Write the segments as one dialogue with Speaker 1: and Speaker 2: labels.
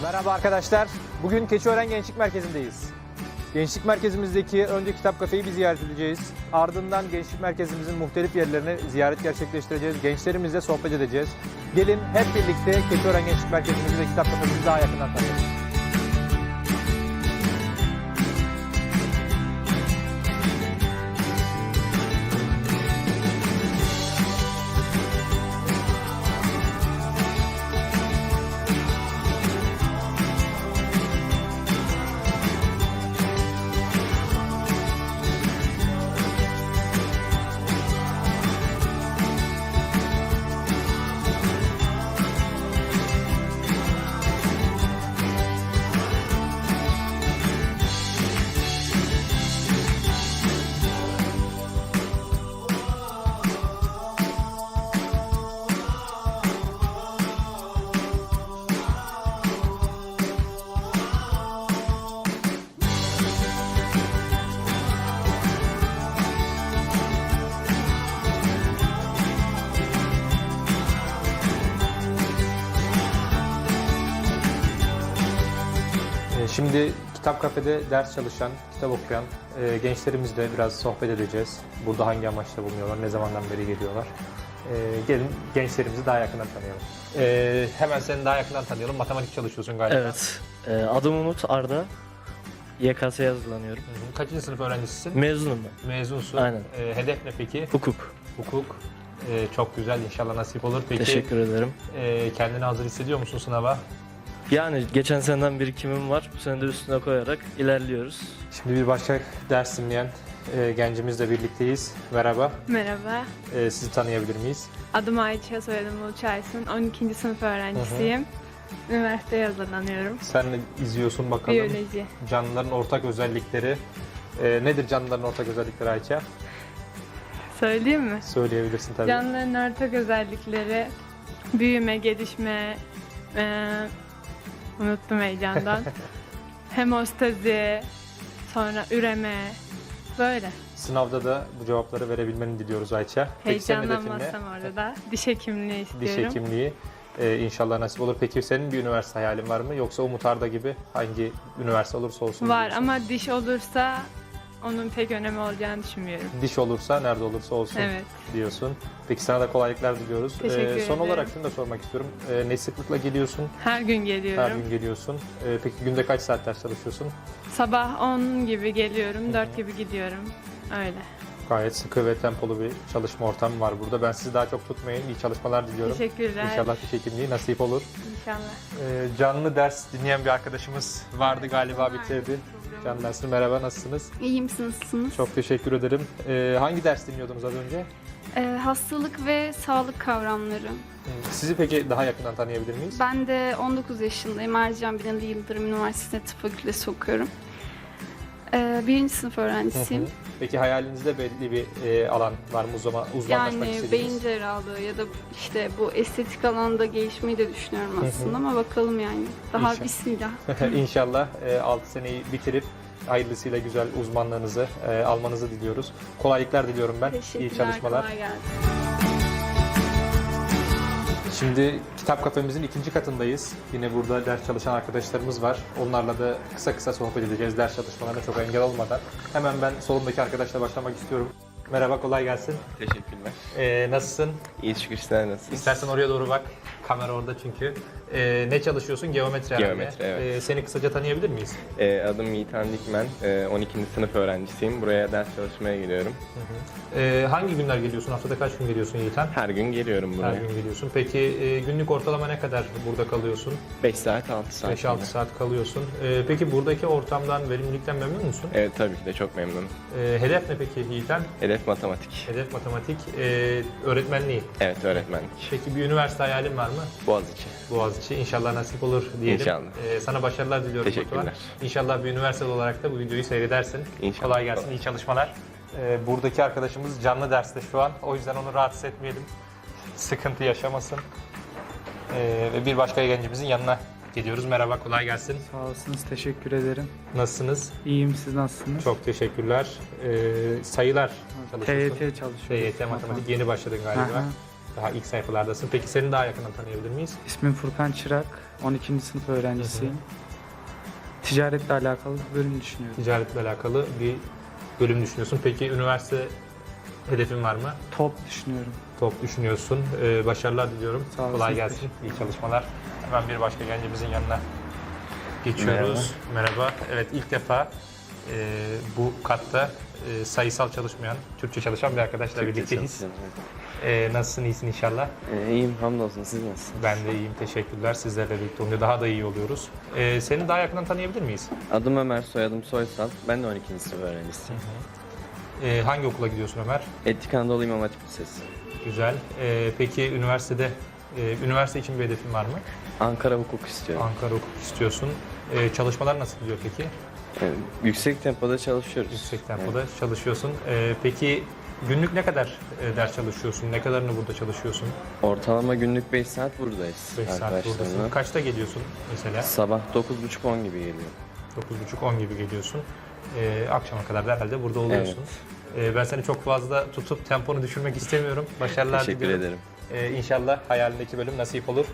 Speaker 1: Merhaba arkadaşlar. Bugün Keçiören Gençlik Merkezi'ndeyiz. Gençlik Merkezimizdeki önce kitap kafeyi bir ziyaret edeceğiz. Ardından Gençlik Merkezimizin muhtelif yerlerine ziyaret gerçekleştireceğiz. Gençlerimizle sohbet edeceğiz. Gelin hep birlikte Keçiören Gençlik Merkezimizi ve kitap kafemizi daha yakından tanıyalım. Şimdi kitap kafede ders çalışan, kitap okuyan gençlerimizle biraz sohbet edeceğiz. Burada hangi amaçla bulunuyorlar, ne zamandan beri geliyorlar. Gelin gençlerimizi daha yakından tanıyalım. Hemen seni daha yakından tanıyalım. Matematik çalışıyorsun galiba.
Speaker 2: Evet. Adım Umut Arda. YKS'ye hazırlanıyorum.
Speaker 1: Kaçıncı sınıf öğrencisisin?
Speaker 2: Mezunum ben.
Speaker 1: Mezunsun.
Speaker 2: Aynen.
Speaker 1: Hedef ne peki?
Speaker 2: Hukuk.
Speaker 1: Hukuk. Çok güzel, inşallah nasip olur. Peki,
Speaker 2: Teşekkür ederim.
Speaker 1: Kendini hazır hissediyor musun sınava?
Speaker 2: Yani geçen seneden birikimim var. Bu sene de üstüne koyarak ilerliyoruz.
Speaker 1: Şimdi bir başka ders dinleyen gencimizle birlikteyiz. Merhaba.
Speaker 3: Merhaba,
Speaker 1: Sizi tanıyabilir miyiz?
Speaker 3: adım Ayça, soyadım Uluç Aysun. 12. sınıf öğrencisiyim. Üniversiteye hazırlanıyorum.
Speaker 1: Sen de izliyorsun bakalım.
Speaker 3: Biyoloji.
Speaker 1: Canlıların ortak özellikleri. Nedir canlıların ortak özellikleri Ayça?
Speaker 3: Söyleyeyim mi?
Speaker 1: Söyleyebilirsin tabii.
Speaker 3: Canlıların ortak özellikleri büyüme, gelişme, unuttum heyecandan. Hemostazi, sonra üreme, böyle.
Speaker 1: Sınavda da bu cevapları verebilmeni diliyoruz Ayça. Peki senin hedefin ne?
Speaker 3: Heyecanlanmazsam orada da diş hekimliği istiyorum.
Speaker 1: Diş hekimliği. İnşallah nasip olur. Peki senin bir üniversite hayalin var mı? Yoksa Umut Arda gibi hangi üniversite olursa olsun
Speaker 3: Var
Speaker 1: diyorsun?
Speaker 3: ama diş olursa onun pek önemi olacağını düşünmüyorum.
Speaker 1: Diş olursa nerede olursa olsun
Speaker 3: Evet.
Speaker 1: diyorsun. Peki sana da kolaylıklar diliyoruz.
Speaker 3: Teşekkür
Speaker 1: Son
Speaker 3: ederim.
Speaker 1: olarak şunu da sormak istiyorum. Ne sıklıkla geliyorsun?
Speaker 3: Her gün geliyorum.
Speaker 1: Her gün geliyorsun. Peki günde kaç saat ders çalışıyorsun?
Speaker 3: Sabah 10 gibi geliyorum, 4 gibi gidiyorum. Öyle.
Speaker 1: Gayet sıkı ve tempolu bir çalışma ortamı var burada. Ben sizi daha çok tutmayayım. İyi çalışmalar diliyorum.
Speaker 3: Teşekkürler.
Speaker 1: İnşallah diş hekimliği nasip olur.
Speaker 3: İnşallah.
Speaker 1: Canlı ders dinleyen bir arkadaşımız vardı galiba bitirdi. Canlı dersi merhaba, nasılsınız?
Speaker 4: İyiyim, siz nasılsınız?
Speaker 1: Çok teşekkür ederim. Hangi ders dinliyordunuz az önce?
Speaker 4: Hastalık ve sağlık kavramları.
Speaker 1: Sizi peki daha yakından tanıyabilir miyiz?
Speaker 4: Ben de 19 yaşındayım. Ercan Binali Yıldırım Üniversitesi'nde tıp fakültesi okuyorum. Birinci sınıf öğrencisiyim.
Speaker 1: Peki hayalinizde belli bir alan var mı uzmanlaşmak
Speaker 4: Yani
Speaker 1: istediğiniz?
Speaker 4: beyin cerrahlığı ya da işte bu estetik alanda gelişmeyi de düşünüyorum aslında ama bakalım yani. Daha
Speaker 1: İnşallah.
Speaker 4: bismillah.
Speaker 1: İnşallah 6 seneyi bitirip hayırlısıyla güzel uzmanlığınızı almanızı diliyoruz. Kolaylıklar diliyorum ben. İyi
Speaker 4: Teşekkürler,
Speaker 1: çalışmalar.
Speaker 4: kolay gelsin.
Speaker 1: Şimdi kitap kafemizin 2. katındayız. Yine burada ders çalışan arkadaşlarımız var. Onlarla da kısa kısa sohbet edeceğiz ders çalışmalarına çok engel olmadan. Hemen ben solumdaki arkadaşla başlamak istiyorum. Merhaba, kolay gelsin.
Speaker 5: Teşekkürler.
Speaker 1: Nasılsın?
Speaker 5: İyi şükür, sizler nasılsınız?
Speaker 1: İstersen oraya doğru bak. Kamera orada çünkü. Ne çalışıyorsun? Geometri herhalde.
Speaker 5: Geometri, evet.
Speaker 1: Seni kısaca tanıyabilir miyiz?
Speaker 5: Adım Yiğitan Dikmen. 12. sınıf öğrencisiyim. Buraya ders çalışmaya geliyorum.
Speaker 1: Hangi günler geliyorsun? Haftada kaç gün geliyorsun Yiğitan?
Speaker 5: Her gün geliyorum
Speaker 1: Her
Speaker 5: buraya.
Speaker 1: gün geliyorsun. Peki günlük ortalama ne kadar burada kalıyorsun?
Speaker 5: 5 saat, 6 saat.
Speaker 1: 5-6 saat kalıyorsun. Peki buradaki ortamdan, verimlilikten memnun musun?
Speaker 5: Evet, tabii ki de çok memnunum.
Speaker 1: Hedef ne peki Yiğitan?
Speaker 5: Hedef matematik.
Speaker 1: Hedef matematik, öğretmenliği.
Speaker 5: Evet, öğretmenlik.
Speaker 1: Peki bir üniversite hayalin var mı?
Speaker 5: Boğaziçi.
Speaker 1: Boğaziçi. İnşallah nasip olur diyelim.
Speaker 5: İnşallah.
Speaker 1: Sana başarılar diliyorum.
Speaker 5: Teşekkürler.
Speaker 1: Batuhan. İnşallah bir üniversite olarak da bu videoyu seyredersin.
Speaker 5: İnşallah.
Speaker 1: Kolay gelsin, iyi çalışmalar. Buradaki arkadaşımız canlı derste şu an. O yüzden onu rahatsız etmeyelim. Sıkıntı yaşamasın. Ve bir başka gencimizin yanına gidiyoruz. Merhaba, kolay gelsin.
Speaker 6: Sağ olasınız, teşekkür ederim.
Speaker 1: Nasılsınız?
Speaker 6: İyiyim, siz nasılsınız?
Speaker 1: Çok teşekkürler. Sayılar çalışıyorsun.
Speaker 6: TYT çalışıyorum.
Speaker 1: TYT matematik yeni başladın galiba.
Speaker 6: Aha.
Speaker 1: Daha ilk sayfalardasın. Peki seni daha yakından tanıyabilir miyiz?
Speaker 6: İsmim Furkan Çırak. 12. sınıf öğrencisiyim. Ticaretle alakalı bir bölüm düşünüyorum.
Speaker 1: Ticaretle alakalı bir bölüm düşünüyorsun. Peki üniversite hedefin var mı?
Speaker 6: Top düşünüyorum.
Speaker 1: Top düşünüyorsun. Başarılar diliyorum.
Speaker 6: Sağ olasın.
Speaker 1: Kolay gelsin. İyi çalışmalar. Hemen bir başka gencimizin yanına geçiyoruz. Merhaba. Evet, ilk defa bu katta sayısal çalışmayan, Türkçe çalışan bir arkadaşla birlikteyiz. Nasılsın, iyisin inşallah?
Speaker 7: İyiyim, hamdolsun. Siz nasılsınız?
Speaker 1: Ben de iyiyim, teşekkürler. Sizlerle birlikte olunca daha da iyi oluyoruz. Seni daha yakından tanıyabilir miyiz?
Speaker 7: Adım Ömer, soyadım Soysal. Ben de 12. sınıf öğrencisiyim.
Speaker 1: Hangi okula gidiyorsun Ömer?
Speaker 7: Etnik Anadolu İmam Hatip Lisesi.
Speaker 1: Güzel. Peki üniversitede, üniversite için bir hedefin var mı?
Speaker 7: Ankara hukuk istiyorum.
Speaker 1: Ankara hukuk istiyorsun. Çalışmalar nasıl gidiyor peki?
Speaker 7: Yüksek tempoda çalışıyoruz.
Speaker 1: Yüksek tempoda çalışıyorsun. Peki günlük ne kadar ders çalışıyorsun? Ne kadarını burada çalışıyorsun?
Speaker 7: Ortalama günlük 5 saat buradayız
Speaker 1: 5 saat
Speaker 7: arkadaşlarımla.
Speaker 1: buradasın. Kaçta geliyorsun mesela?
Speaker 7: Sabah 9.30-10 gibi geliyor.
Speaker 1: 9.30-10 gibi geliyorsun. Akşama kadar da herhalde burada oluyorsun. Ben seni çok fazla tutup temponu düşürmek istemiyorum. Başarılar
Speaker 7: Teşekkür
Speaker 1: diliyorum.
Speaker 7: ederim.
Speaker 1: İnşallah hayalindeki bölüm nasip olur.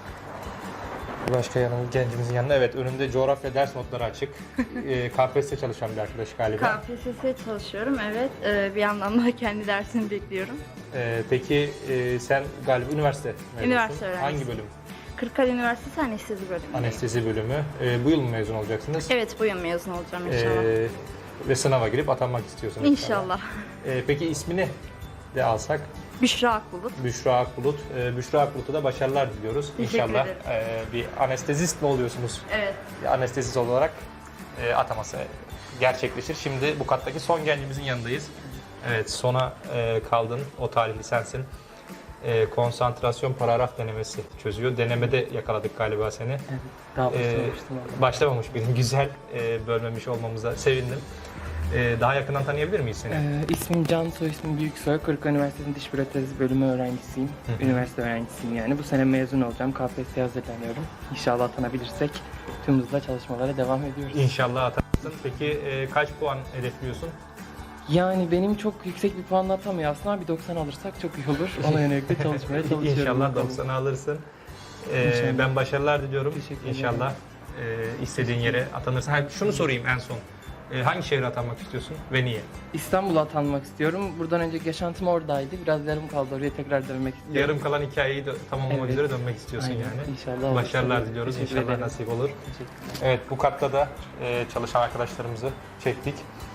Speaker 1: Başka gencimizin yanına, evet, önünde coğrafya ders notları açık. KPSS çalışan bir arkadaş galiba.
Speaker 8: KPSS çalışıyorum, evet. Bir yandan da kendi dersimi bekliyorum.
Speaker 1: Peki sen galiba üniversite mezunusun.
Speaker 8: Üniversite öğrencisiyim.
Speaker 1: Hangi bölüm?
Speaker 8: Kırklareli Üniversitesi Anestezi bölümü.
Speaker 1: Anestezi bölümü. Bu yıl mı mezun olacaksınız?
Speaker 8: Evet, bu yıl mezun olacağım inşallah.
Speaker 1: Ve sınava girip atanmak istiyorsunuz.
Speaker 8: İnşallah.
Speaker 1: Peki ismini de alsak?
Speaker 8: Büşra Akbulut.
Speaker 1: Büşra Akbulut. Büşra Akbulut'a da başarılar diliyoruz.
Speaker 8: Teşekkür
Speaker 1: İnşallah
Speaker 8: ederim.
Speaker 1: bir anestezist mi oluyorsunuz?
Speaker 8: Evet.
Speaker 1: Bir anestezist olarak ataması gerçekleşir. Şimdi bu kattaki son gencimizin yanındayız. Evet, sona kaldın. O tarihli sensin. Konsantrasyon paragraf denemesi çözüyor. Denemede yakaladık galiba seni.
Speaker 2: Daha başlamıştım.
Speaker 1: Başlamamış birin. Güzel. Bölmemiş olmamıza sevindim. Daha yakından tanıyabilir miyiz seni?
Speaker 9: İsmim Can, soy ismim Büyüksoy. Kırıkkale Üniversitesi'nin Diş Protezi bölümü öğrencisiyim. Üniversite öğrencisiyim yani. Bu sene mezun olacağım. KPSS'ye hazırlanıyorum. İnşallah atanabilirsek tüm hızla çalışmalara devam ediyoruz.
Speaker 1: İnşallah atarsın. Peki kaç puan hedefliyorsun?
Speaker 9: Yani benim çok yüksek bir puanla atamıyor aslında ama bir 90 alırsak çok iyi olur. Ona yönelik de çalışmaya çalışıyorum.
Speaker 1: İnşallah
Speaker 9: bakalım.
Speaker 1: 90'ı alırsın.
Speaker 9: İnşallah.
Speaker 1: Ben başarılar diliyorum.
Speaker 9: Teşekkür ederim.
Speaker 1: İnşallah istediğin yere atanırsın. Şunu sorayım en son. Hangi şehre atanmak istiyorsun ve niye?
Speaker 9: İstanbul'a atanmak istiyorum. Buradan önceki yaşantım oradaydı. Biraz yarım kaldı. Oraya tekrar dönmek istiyorum.
Speaker 1: Yarım kalan hikayeyi de tamamlamak
Speaker 9: Evet.
Speaker 1: üzere dönmek istiyorsun
Speaker 9: Aynen.
Speaker 1: yani.
Speaker 9: İnşallah.
Speaker 1: Başarılar
Speaker 9: olursa.
Speaker 1: diliyoruz.
Speaker 9: Teşekkür
Speaker 1: İnşallah
Speaker 9: ederim.
Speaker 1: nasip olur.
Speaker 9: Teşekkür.
Speaker 1: Evet, bu katta da çalışan arkadaşlarımızı çektik.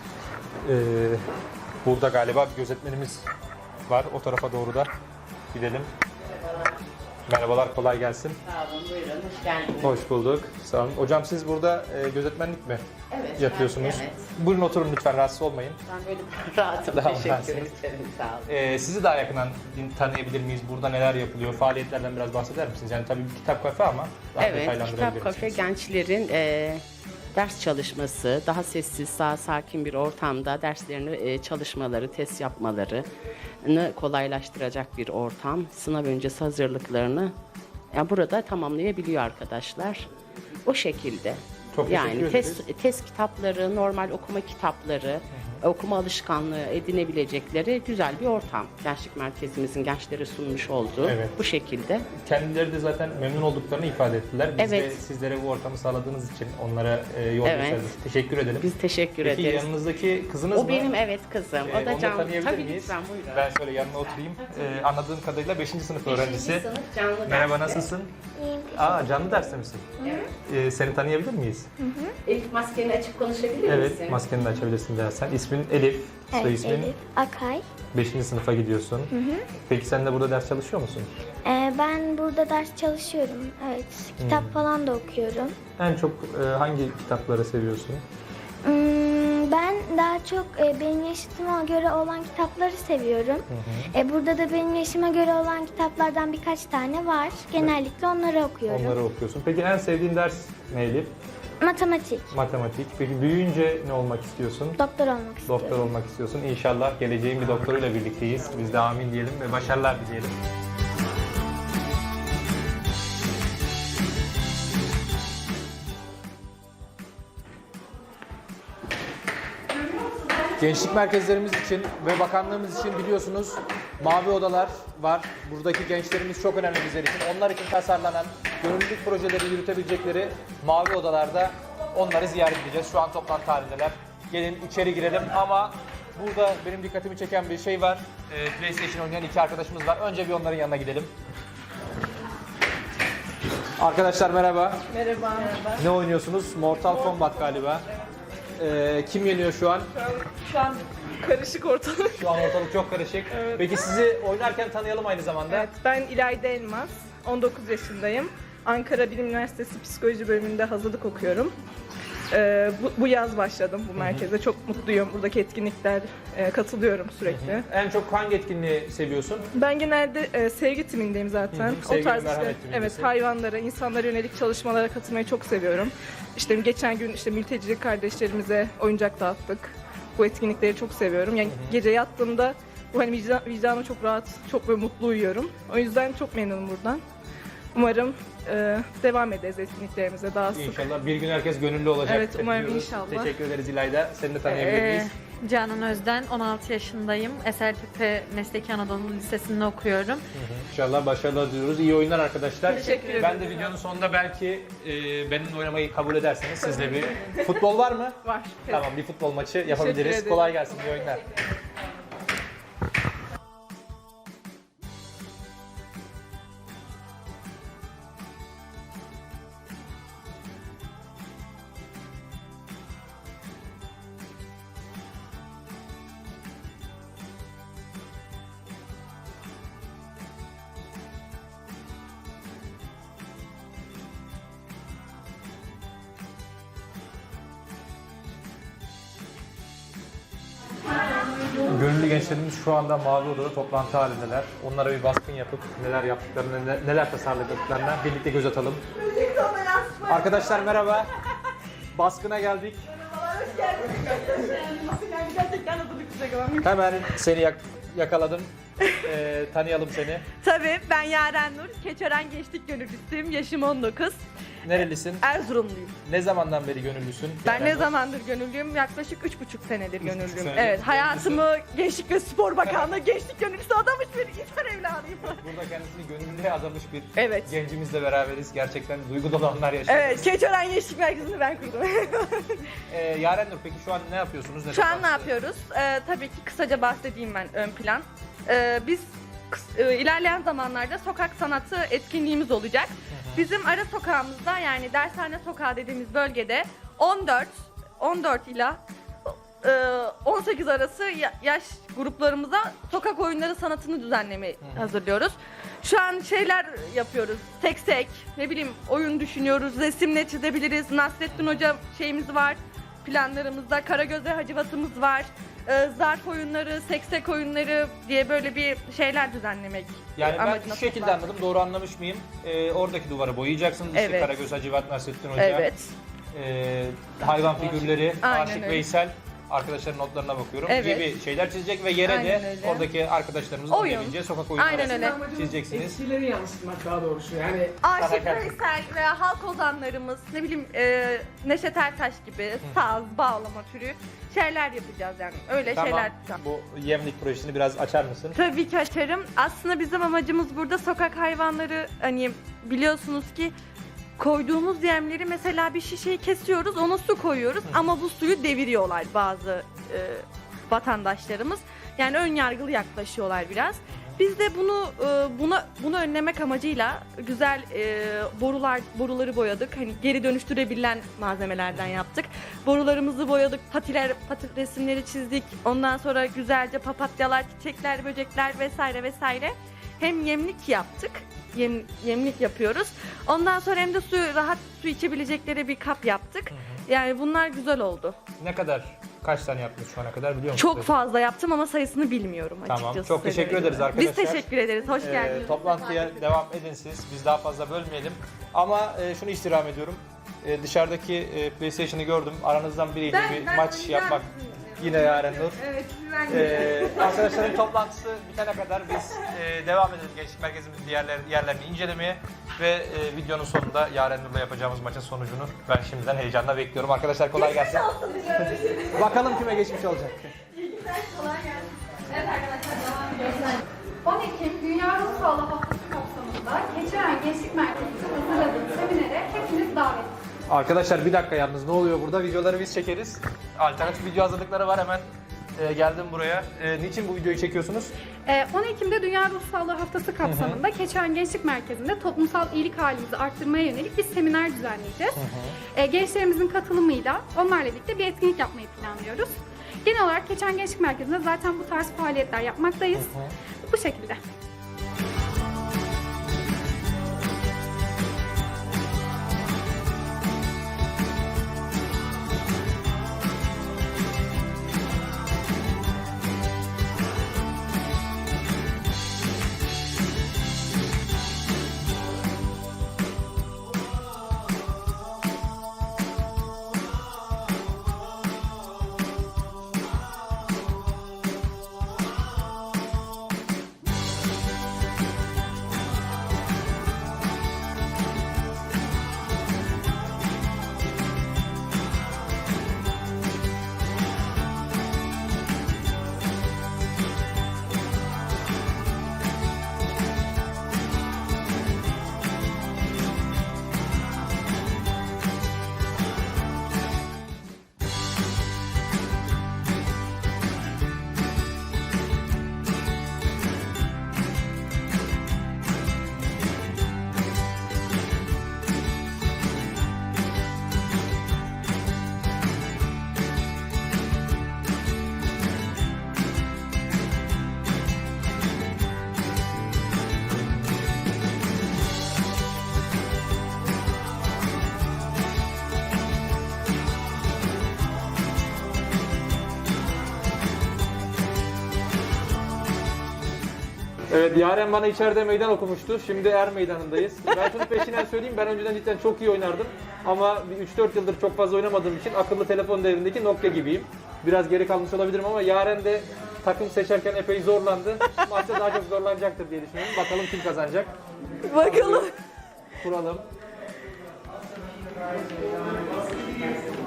Speaker 1: Burada galiba bir gözetmenimiz var. O tarafa doğru da gidelim. Merhabalar, kolay gelsin.
Speaker 10: Sağ olun, buyurun. Hoş geldiniz.
Speaker 1: Hoş bulduk. Sağ olun. Hocam siz burada gözetmenlik mi yapıyorsunuz?
Speaker 10: Evet.
Speaker 1: Buyurun oturun lütfen, rahatsız olmayın.
Speaker 10: Ben böyle rahatım.
Speaker 1: Daha
Speaker 10: Teşekkür
Speaker 1: rahatsınız.
Speaker 10: ederim. Sağ olun.
Speaker 1: Sizi daha yakından tanıyabilir miyiz? Burada neler yapılıyor? Faaliyetlerden biraz bahseder misiniz? Yani tabii bir kitap kafe ama daha
Speaker 10: Evet,
Speaker 1: detaylandırabilir
Speaker 10: Kitap Kafe
Speaker 1: misiniz?
Speaker 10: gençlerin ders çalışması, daha sessiz, daha sakin bir ortamda derslerini çalışmaları, test yapmalarını kolaylaştıracak bir ortam. Sınav öncesi hazırlıklarını burada tamamlayabiliyor arkadaşlar. O şekilde.
Speaker 1: Çok teşekkür
Speaker 10: Yani
Speaker 1: ederiz.
Speaker 10: test kitapları, normal okuma kitapları, okuma alışkanlığı edinebilecekleri güzel bir ortam. Gençlik merkezimizin gençlere sunmuş olduğu
Speaker 1: Evet.
Speaker 10: bu şekilde.
Speaker 1: Kendileri de zaten memnun olduklarını ifade ettiler. Biz de
Speaker 10: Evet.
Speaker 1: sizlere bu ortamı sağladığınız için onlara yol
Speaker 10: Evet.
Speaker 1: gösterdiğiniz için teşekkür edelim.
Speaker 10: Biz teşekkür
Speaker 1: Peki
Speaker 10: ederiz.
Speaker 1: yanınızdaki kızınız mı?
Speaker 10: O benim kızım. O
Speaker 1: Onu
Speaker 10: da
Speaker 1: da
Speaker 10: Can.
Speaker 1: tanıyabilir
Speaker 10: Tabii
Speaker 1: miyiz?
Speaker 10: lütfen buyurun.
Speaker 1: Ben şöyle yanına oturayım. Anladığım kadarıyla 5. sınıf öğrencisi.
Speaker 10: sınıf canlı
Speaker 1: Merhaba,
Speaker 10: derste.
Speaker 1: nasılsın? Canlı derste misin? Seni tanıyabilir miyiz?
Speaker 10: Elif, maskeni açıp konuşabilir misin?
Speaker 1: Evet, maskeni de açabilirsin dersen. İsmin Elif, soy ismin.
Speaker 11: Elif Akay.
Speaker 1: 5. sınıfa gidiyorsun. Peki sen de burada ders çalışıyor musun?
Speaker 11: Ben burada ders çalışıyorum. Evet, kitap falan da okuyorum.
Speaker 1: En çok hangi kitapları seviyorsun?
Speaker 11: Ben daha çok benim yaşıtıma göre olan kitapları seviyorum. Burada da benim yaşıma göre olan kitaplardan birkaç tane var. Genellikle onları okuyorum.
Speaker 1: Onları okuyorsun. Peki en sevdiğin ders ne Elif?
Speaker 11: Matematik.
Speaker 1: Matematik. Peki büyüyünce ne olmak istiyorsun?
Speaker 11: Doktor olmak istiyorum.
Speaker 1: Doktor olmak istiyorsun. İnşallah geleceğin bir doktoruyla birlikteyiz. Biz de amin diyelim ve başarılar dileyelim. Gençlik merkezlerimiz için ve bakanlığımız için biliyorsunuz Mavi odalar var. Buradaki gençlerimiz çok önemli bizler için. Onlar için tasarlanan gönüllülük projeleri yürütebilecekleri mavi odalarda onları ziyaret edeceğiz. Şu an toplantı halindeler. Gelin içeri girelim ama burada benim dikkatimi çeken bir şey var. PlayStation oynayan iki arkadaşımız var. Önce bir onların yanına gidelim. Arkadaşlar merhaba.
Speaker 3: Merhaba.
Speaker 1: Ne oynuyorsunuz? Mortal Kombat galiba. Kim yeniyor şu an?
Speaker 3: Şu an karışık ortalık.
Speaker 1: Şu an ortalık çok karışık. Peki sizi oynarken tanıyalım aynı zamanda.
Speaker 3: Evet, ben İlayda Elmas. 19 yaşındayım. Ankara Bilim Üniversitesi Psikoloji bölümünde hazırlık okuyorum. Bu yaz başladım bu merkeze. Çok mutluyum. Buradaki etkinlikler katılıyorum sürekli.
Speaker 1: En çok hangi etkinliği seviyorsun?
Speaker 3: Ben genelde sevgi timindeyim zaten.
Speaker 1: Sevgi ve
Speaker 3: işte,
Speaker 1: merhamet timindesin.
Speaker 3: evet, hayvanlara, insanlara yönelik çalışmalara katılmayı çok seviyorum. İşte geçen gün mülteci kardeşlerimize oyuncak dağıttık. Bu etkinlikleri çok seviyorum. Yani gece yattığımda bu hani vicdanım çok rahat, çok böyle mutlu uyuyorum. O yüzden çok memnunum buradan. Umarım devam ederiz etkinliklerimize daha sık.
Speaker 1: İnşallah bir gün herkes gönüllü olacak.
Speaker 3: Evet, umarım
Speaker 1: diyoruz.
Speaker 3: inşallah.
Speaker 1: Teşekkür ederiz İlayda. Seni de tanıyabilir miyiz?
Speaker 8: Canan Özden, 16 yaşındayım. SLPP Mesleki Anadolu Lisesi'nde okuyorum.
Speaker 1: İnşallah başarılar diliyoruz. İyi oyunlar arkadaşlar.
Speaker 3: Teşekkür ederim.
Speaker 1: Ben de videonun sonunda belki benimle oynamayı kabul ederseniz sizle bir... Futbol var mı?
Speaker 3: Var.
Speaker 1: Tamam, bir futbol maçı yapabiliriz.
Speaker 3: ederim.
Speaker 1: Kolay gelsin, iyi oyunlar. Gönüllü gençlerimiz şu anda Mavi Oda'da toplantı halindeler. Onlara bir baskın yapıp neler yaptıklarını, neler tasarladıklarına birlikte göz atalım. Arkadaşlar merhaba. Baskına geldik. Hemen seni yakaladım. Tanıyalım seni.
Speaker 8: Tabii, ben Yaren Nur. Keçören Gençlik Gönüllüsüyüm. Yaşım 19.
Speaker 1: Nerelisin?
Speaker 8: Erzurumluyum.
Speaker 1: Ne zamandan beri gönüllüsün?
Speaker 8: Ben ne zamandır gönüllüyüm? Yaklaşık 3,5 senedir gönüllüyüm.
Speaker 1: senedir
Speaker 8: Evet, hayatımı Gençlik ve Spor Bakanlığı Gençlik Gönüllüsü adamış bir insan evladıyım.
Speaker 1: Burada kendisini gönüllüye adamış bir
Speaker 8: Evet.
Speaker 1: gencimizle beraberiz. Gerçekten duygu dolu anlar yaşıyoruz.
Speaker 8: Evet, Keçören Gençlik Merkezi'ni ben kurdum.
Speaker 1: Yaren Nur, peki şu an ne yapıyorsunuz?
Speaker 8: Şu an ne yapıyoruz? Tabii ki kısaca bahsedeyim ben ön plan. Biz ilerleyen zamanlarda sokak sanatı etkinliğimiz olacak. Bizim ara sokağımızda, yani dershane sokağı dediğimiz bölgede 14 ila 18 arası yaş gruplarımıza sokak oyunları sanatını düzenlemeyi hazırlıyoruz. Şu an şeyler yapıyoruz. Tek ne bileyim oyun düşünüyoruz. Resimle çizebiliriz. Nasrettin Hoca şeyimiz var. Planlarımızda Karagöz ve Hacivat'ımız var. Zarf oyunları, seksek oyunları diye böyle bir şeyler düzenlemek
Speaker 1: Yani ben
Speaker 8: amacına
Speaker 1: şu şekilde
Speaker 8: toplandık.
Speaker 1: anladım, doğru anlamış mıyım? Oradaki duvarı boyayacaksınız. İşte
Speaker 8: Evet.
Speaker 1: Karagöz, Hacivat, Nasrettin Hoca,
Speaker 8: Evet.
Speaker 1: hayvan figürleri,
Speaker 8: Aynen
Speaker 1: Aşık
Speaker 8: öyle.
Speaker 1: Veysel, arkadaşların notlarına bakıyorum
Speaker 8: Evet.
Speaker 1: gibi şeyler çizecek ve yere
Speaker 8: Aynen
Speaker 1: de
Speaker 8: öyle.
Speaker 1: oradaki arkadaşlarımızın
Speaker 8: Oyun.
Speaker 1: oynayabileceği sokak oyunları
Speaker 8: Aynen öyle.
Speaker 1: çizeceksiniz.
Speaker 6: Eskileri yansıtmak daha doğrusu yani.
Speaker 8: Aşık
Speaker 1: Sanatçı.
Speaker 8: Veysel veya halk ozanlarımız, ne bileyim Neşet Ertaş gibi saz, bağlama türü şeyler yapacağız yani. Öyle
Speaker 1: Tamam,
Speaker 8: şeyler.
Speaker 1: bu yemlik projesini biraz açar mısın?
Speaker 8: Tabii ki açarım. Aslında bizim amacımız burada sokak hayvanları, hani biliyorsunuz ki koyduğumuz yemleri, mesela bir şişeyi kesiyoruz, ona su koyuyoruz ama bu suyu deviriyorlar bazı vatandaşlarımız. Yani ön yargılı yaklaşıyorlar biraz. Biz de bunu önlemek amacıyla güzel boruları boyadık. Hani geri dönüştürebilen malzemelerden yaptık. Borularımızı boyadık, pati resimleri çizdik. Ondan sonra güzelce papatyalar, çiçekler, böcekler vesaire vesaire. Hem yemlik yaptık. Yemlik yapıyoruz. Ondan sonra hem de rahat su içebilecekleri bir kap yaptık. Yani bunlar güzel oldu.
Speaker 1: Kaç tane yaptınız şu ana kadar biliyor musunuz?
Speaker 8: Çok fazla yaptım ama sayısını bilmiyorum açıkçası.
Speaker 1: Tamam, çok teşekkür
Speaker 8: söyleyeyim.
Speaker 1: ederiz arkadaşlar.
Speaker 8: Biz teşekkür ederiz, hoş geldiniz.
Speaker 1: Toplantıya devam edin siz. Biz daha fazla bölmeyelim. Ama şunu istirham ediyorum. Dışarıdaki PlayStation'ı gördüm. Aranızdan biriyle bir maç yapmak. Yine Yaren Nur.
Speaker 8: Evet,
Speaker 1: Arkadaşların toplantısı bitene kadar biz devam edelim Gençlik Merkezimizin yerlerini incelemeye ve videonun sonunda Yaren Nur'la yapacağımız maçın sonucunu ben şimdiden heyecanla bekliyorum. Arkadaşlar kolay gelsin. Bakalım kime geçmiş olacak.
Speaker 8: İyi günler, kolay gelsin. Evet arkadaşlar, devam ediyoruz.
Speaker 4: 10 Ekim Dünya Ruh Sağlığı Haftası kapsamında Keçiören Gençlik Merkezi'nde hazırladığım seminere hepiniz davetlisiniz.
Speaker 1: Arkadaşlar bir dakika yalnız ne oluyor burada? Videoları biz çekeriz. Alternatif video hazırlıkları var hemen. Geldim buraya. Niçin bu videoyu çekiyorsunuz?
Speaker 4: 10 Ekim'de Dünya Ruh Sağlığı Haftası kapsamında Keçiören Gençlik Merkezi'nde toplumsal iyilik halimizi arttırmaya yönelik bir seminer düzenleyeceğiz. Gençlerimizin katılımıyla onlarla birlikte bir etkinlik yapmayı planlıyoruz. Genel olarak Keçiören Gençlik Merkezi'nde zaten bu tarz faaliyetler yapmaktayız. Bu şekilde.
Speaker 1: Evet, Yaren bana içeride meydan okumuştu. Şimdi Er Meydanı'ndayız. Ben şunu peşinden söyleyeyim. Ben önceden cidden çok iyi oynardım. Ama 3-4 yıldır çok fazla oynamadığım için akıllı telefon devrindeki Nokia gibiyim. Biraz geri kalmış olabilirim ama Yaren de takım seçerken epey zorlandı. Maçta daha çok zorlanacaktır diye düşünüyorum. Bakalım kim kazanacak.
Speaker 8: Bakalım.
Speaker 1: Kuralım.